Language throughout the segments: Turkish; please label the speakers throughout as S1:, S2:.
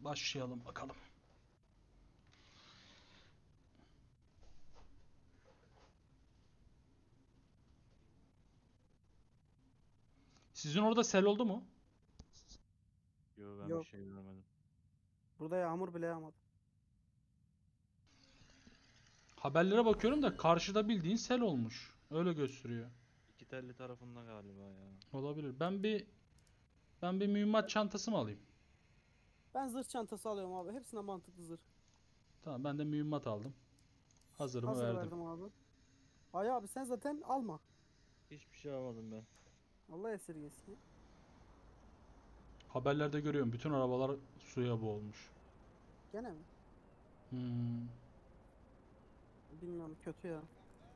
S1: başlayalım bakalım. Sizin orada sel oldu mu?
S2: Yo ben bir
S3: Yok.
S2: şey görmedim.
S3: Burada yağmur bile yağmadı.
S1: Haberlere bakıyorum da karşıda bildiğin sel olmuş. Öyle gösteriyor.
S2: İki telli tarafında galiba ya.
S1: Olabilir. Ben bir mühimmat çantası mı alayım?
S3: Ben zırh çantası alıyorum abi. Hepsine mantıklı zırh.
S1: Tamam, ben de mühimmat aldım. Hazırımı
S3: Hazır
S1: verdim.
S3: verdim abi. Ay abi sen zaten alma.
S2: Hiçbir şey almadım ben.
S3: Allah esirgesin.
S1: Haberlerde görüyorum, bütün arabalar suya boğulmuş.
S3: Gene mi?
S1: Hmm.
S3: Bilmiyorum, kötü ya.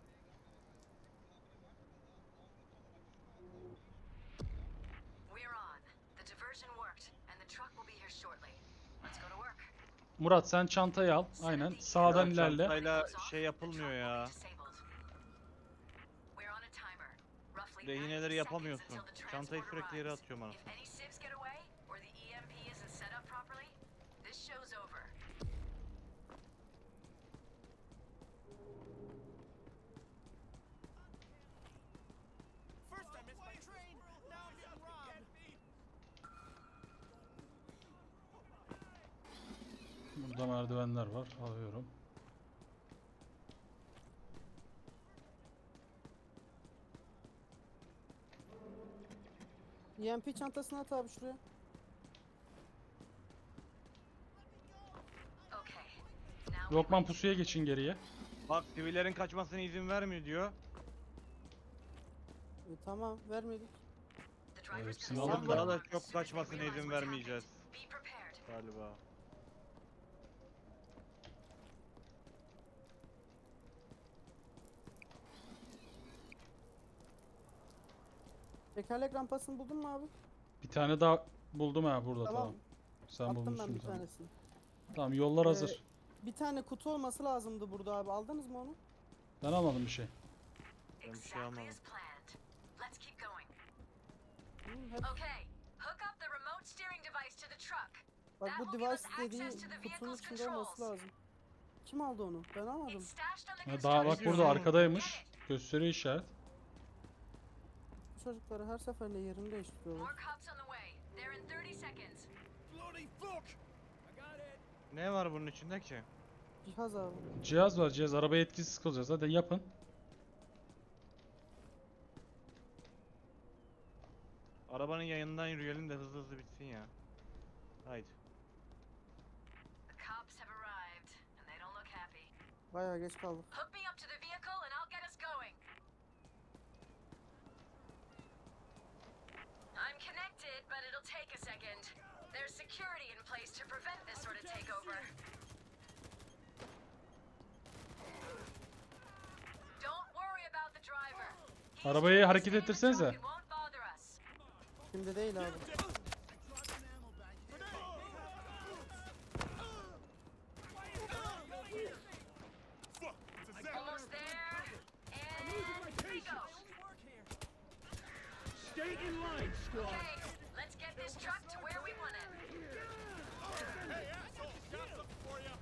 S4: We're on. The diversion worked, and the truck will be here shortly. Let's go to work.
S1: Murat, sen çantayı al. Aynen. Sağdan
S2: Ya
S1: ilerle.
S2: çantayla şey yapılmıyor ya.
S4: We're on a timer. Roughly
S2: Rehineleri
S4: 90
S2: yapamıyorsun.
S4: seconds until the
S2: Çantayı
S4: transport
S2: sürekli yere
S4: arrives.
S2: atıyorum
S4: If
S2: anasını.
S4: any civs get away, or the EMP isn't set up properly, this show's over.
S5: First I missed my train, now I'm being robbed.
S1: Burada merdivenler var. Alıyorum.
S3: EMP çantasını at abi şuraya.
S4: Okay. Now we
S1: Lokman,
S4: wait.
S1: pusuya geçin geriye.
S2: Bak sivillerin kaçmasına izin vermiyor diyor.
S3: Tamam vermedik.
S4: The driver's
S1: hepsini
S4: gonna
S1: alıp
S4: sound
S1: da-
S4: the
S2: Daha da
S4: alarm as
S2: çok
S4: soon as they
S2: kaçmasına
S4: realize
S2: izin
S4: what's
S2: vermeyeceğiz
S4: happened. Be prepared.
S2: galiba.
S3: Tekerlek rampasını buldun mu abi?
S1: Bir tane daha buldum ha burada,
S3: Tamam.
S1: tamam. Sen
S3: Attım ben
S1: bulmuşsun
S3: bir
S1: tamam.
S3: tanesini.
S1: Tamam, yollar hazır.
S3: Bir tane kutu olması lazımdı burada abi. Aldınız mı onu?
S1: Ben almadım bir şey.
S2: Ben bir şey
S4: Exactly
S2: almadım.
S4: as planned. Let's keep going.
S3: Hep,
S4: Okay. Hook up the remote steering device to the truck.
S3: bak
S4: That
S3: bu
S4: will give us
S3: device dediği
S4: access to the
S3: kutunun
S4: vehicle's
S3: içinde olması
S4: controls.
S3: lazım. Kim aldı onu? Ben almadım.
S4: It's stashed on the
S1: Ha, daha bak
S4: construction
S1: burada
S2: diyorsun?
S1: arkadaymış. Gösteriyor işaret.
S3: Bu çocukları her seferinde yerini değiştiriyorlar.
S4: More cops on the way. They're in 30 seconds.
S5: Bloody fuck! I got it.
S2: Ne var bunun içinde ki?
S3: Cihaz abi.
S1: Cihaz var, cihaz. Arabaya etkisiz kılacağız. Hadi yapın.
S2: Arabanın yanından yürüyelim de hızlı hızlı bitsin ya. Haydi.
S4: The cops have arrived, and they don't look happy.
S3: Bayağı geç kaldık.
S4: Hook me up to the vehicle, and I'll get us going. I'm connected, but it'll take a second. There's security in place to prevent this sort of takeover. Don't worry about the driver. He's
S1: Arabayı
S4: trying to
S1: hareket
S4: stay in the
S1: ettirsenize.
S4: truck and won't bother us.
S3: Şimdi değil abi.
S5: I dropped an ammo bag. Fuck! It's a zap!
S4: Almost there, and here we go.
S5: Stay in line, squad!
S4: Okay, let's get this truck to where we want it.
S5: Hey, asshole! Got something for you!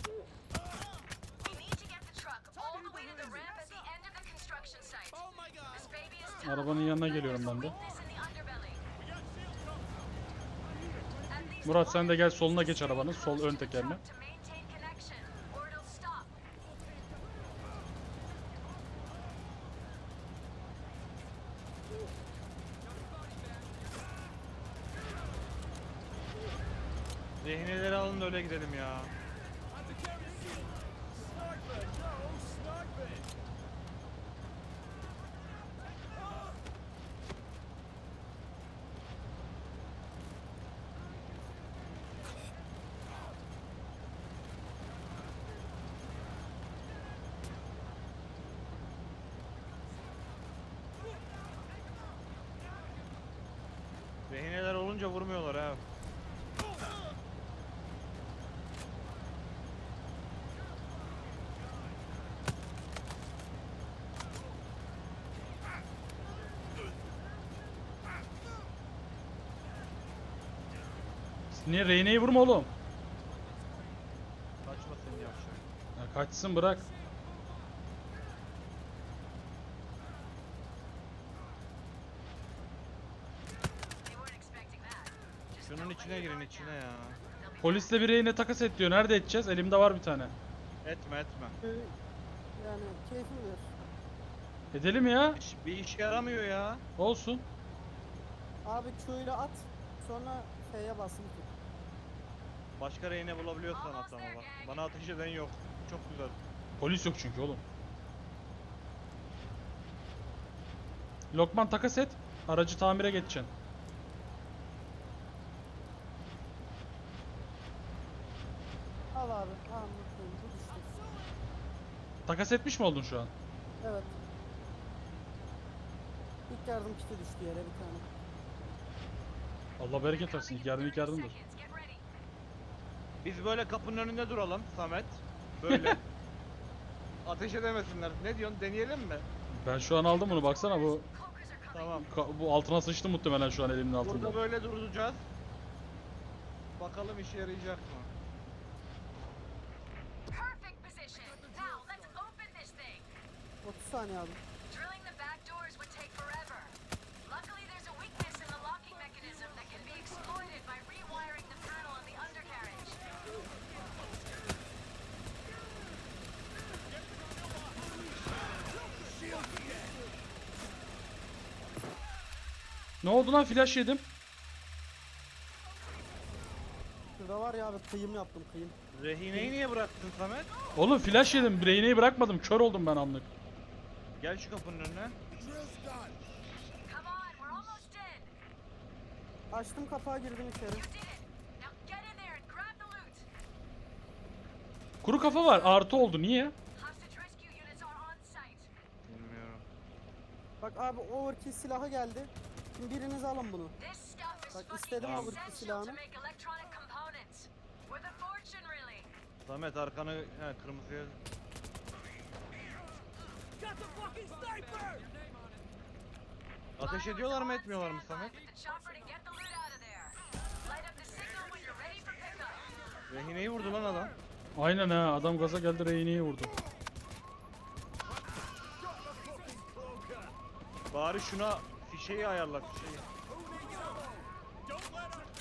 S4: We need to get the truck all the way to the ramp at the end of the construction site.
S5: Oh my god!
S4: This baby is tough,
S1: Arabanın yanına
S4: but
S1: geliyorum
S4: there's a
S1: ben de.
S4: weakness in the underbelly.
S5: We got shield cover!
S4: At least
S1: Murat, sen de gel,
S4: one
S1: soluna geç
S4: stay
S1: arabanın, sol
S4: close
S1: ön
S4: to the
S1: tekerine.
S4: truck to maintain connection, or it'll stop.
S2: Rehineleri alın da öyle gidelim ya. Rehineler olunca vurmuyorlar ha.
S1: Niye rehineyi vurma oğlum? Kaçsın bırak.
S4: They weren't expecting that. Just
S2: Şunun
S4: don't let
S2: içine
S4: your
S2: girin
S4: guard
S2: içine
S4: down.
S2: ya.
S4: They'll be
S1: Polisle bir rehine takas et diyor. Nerede edeceğiz? Elimde var bir tane.
S2: Etme etme.
S3: Yani keyfim bilir.
S1: Edelim ya.
S2: Bir işe yaramıyor ya.
S1: Olsun.
S3: Abi Q'yla at. Sonra F'ye basın tut.
S2: Başka rehine bulabiliyorsan at ama bak. Bana ateş eden yok. Çok güzel.
S1: Polis yok çünkü oğlum. Lokman takas et. Aracı tamire geçeceksin.
S3: Al abi. Tamam mutluyum. Bu düştü.
S1: Takas etmiş mi oldun şu an?
S3: Evet. İlk yardım kiti düştü yere bir tane.
S1: Allah bereket versin. İlk yardım ilk yardımdır.
S4: seconds. Get ready.
S2: Biz böyle kapının önünde duralım Samet. Böyle. Ateş edemesinler. Ne diyorsun? Deneyelim mi?
S1: Ben şu an aldım bunu. Baksana bu
S4: Cloakers are coming.
S2: Tamam.
S1: bu altına sıçtı muhtemelen şu an elimin altında.
S2: Burada böyle duracağız. Bakalım işe yarayacak mı?
S4: Perfect position. Now let's open this thing.
S3: 30 saniye abi.
S4: Drilling the back doors would take forever. Luckily, there's a weakness in the locking mechanism that can be exploited by rewiring the panel on the undercarriage.
S1: Ne oldu lan? Flash yedim.
S3: Şurada var ya abi kıyım yaptım kıyım.
S2: Rehineyi niye bıraktın Samet?
S1: Oğlum flash yedim. Reyneyi bırakmadım. Kör oldum ben anlık.
S2: Gel şu kapının önüne.
S5: Drill's done.
S4: Come on, we're almost in.
S3: Açtım kapağı girdim içeri.
S4: You did it. Now get in there and grab the loot.
S1: Kuru kafa var. Artı oldu. Niye?
S4: Hostage rescue units are on site.
S2: Bilmiyorum.
S3: Bak abi overkill silahı geldi. Şimdi biriniz alın bunu.
S4: This stuff is
S3: Bak,
S4: fucking
S3: istedim
S2: ama bu
S4: essential to
S3: silahını.
S4: make electronic components. Worth a fortune, really.
S2: Samet arkanı kırmızıya. Ateş ediyorlar mı etmiyorlar mı Samet?
S4: With the chopper to get the loot out of there. Light up the signal when you're ready for pickup.
S2: Rehineyi vurdu lan adam.
S1: Aynen ha. Adam gaza geldi. Reyneyi vurdu.
S2: Bari şuna fişeyi ayarla fişeyi.
S5: Don't let him.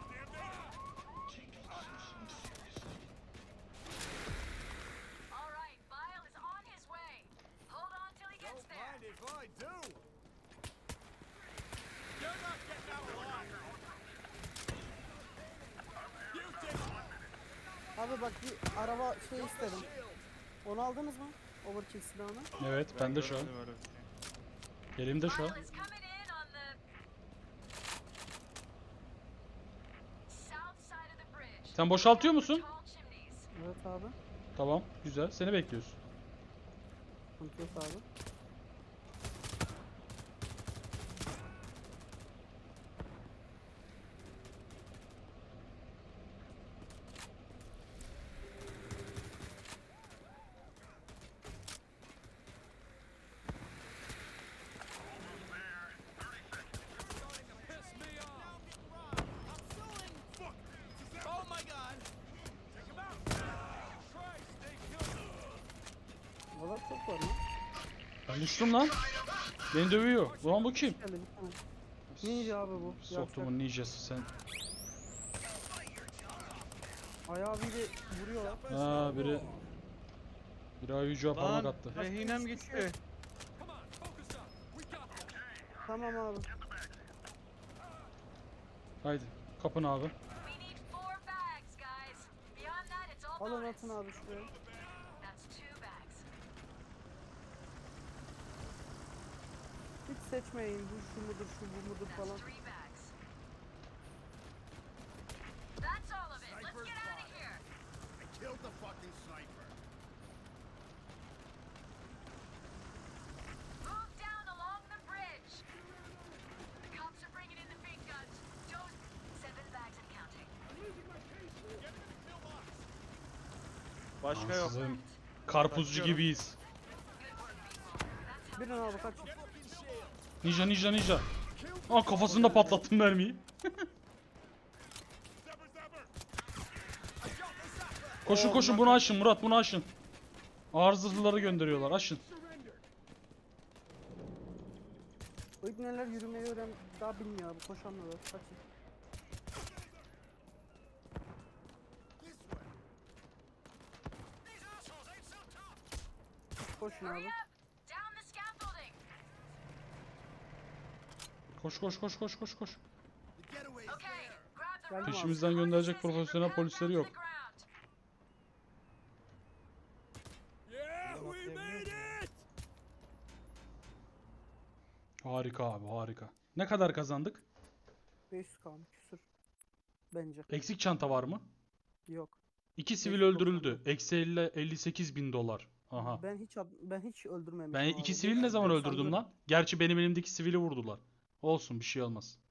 S4: All right, Vile is on his way. Hold on till he gets
S5: Don't
S4: there.
S5: mind if I do. You're not getting out alive. You did it.
S3: Abi bak bir araba şey istedim. Onu aldınız mı? Overkill silahını.
S1: Evet. Ben de şu an.
S2: görmedim öyle bir şey.
S1: Elimde şu an.
S4: Vile is coming in on the south side of the bridge.
S1: Sen boşaltıyor musun?
S4: Tall chimneys.
S3: Evet abi.
S1: Tamam. Güzel. Seni bekliyoruz.
S3: Sıkıntı yok abi.
S5: Oh my god. Take him out. Christ, they killed him.
S3: Valla çok var lan.
S1: Ben düştüm lan. Beni dövüyor. Ulan bu kim?
S3: Geldi bir tane. Ninja abi bu.
S1: Soktumun ninjası sen.
S3: Ayağı biri vuruyorlar.
S1: Ha biri ayıcığa parmak
S2: Lan
S1: attı.
S2: rehinem gitti.
S3: Tamam abi.
S1: Haydi kapın abi.
S4: We need 4 bags, guys. Beyond that, it's all
S3: Alın
S4: bonus.
S3: atın abi şuraya.
S4: That's 2 bags.
S3: Hiç seçmeyin. Bu şu mudur şu bu mudur
S4: That's
S3: falan.
S4: 3 bags. That's all of it. Let's get out of here.
S5: I killed the fucking sniper.
S4: Move down along the bridge. The cops are bringing in the big guns. Joe's 7 bags and counting.
S5: Get him in the pillbox.
S2: Başka yok.
S1: Ansızın karpuzcu gibiyiz.
S4: Good work, people. That's how
S3: Birin abi kaç.
S1: Ninja. Aa kafasında patlattım mermiyi.
S5: Zebber, zebber.
S1: Koşun bunu aşın Murat bunu aşın. Ağır zırhlıları gönderiyorlar. Aşın.
S3: Bu ibneler yürümeyi daha bilmiyor abi. Koşamıyorlar. Kaçın.
S5: These assholes ain't so tough.
S3: Koşun
S4: Hurry
S3: abi.
S4: up! Down the scaffolding!
S1: Koş koş koş koş koş koş.
S5: The getaway's
S4: Okay,
S5: there.
S4: grab the
S3: Geldim
S4: rope.
S3: abi.
S1: Peşimizden gönderecek profesyonel polisleri yok.
S5: Yeah, we made it.
S1: Harika abi, harika. Ne kadar kazandık?
S3: 500 kalmış küsür. Bence.
S1: Eksik çanta var mı?
S3: Yok.
S1: 2 sivil
S3: 590
S1: öldürüldü. Eksi 58 bin dolar. Aha.
S3: Ben hiç öldürmemişim
S1: Ben
S3: abi.
S1: 2 sivil ne zaman
S3: 594
S1: öldürdüm lan? Gerçi benim elimdeki sivili vurdular. Olsun, bir şey olmaz.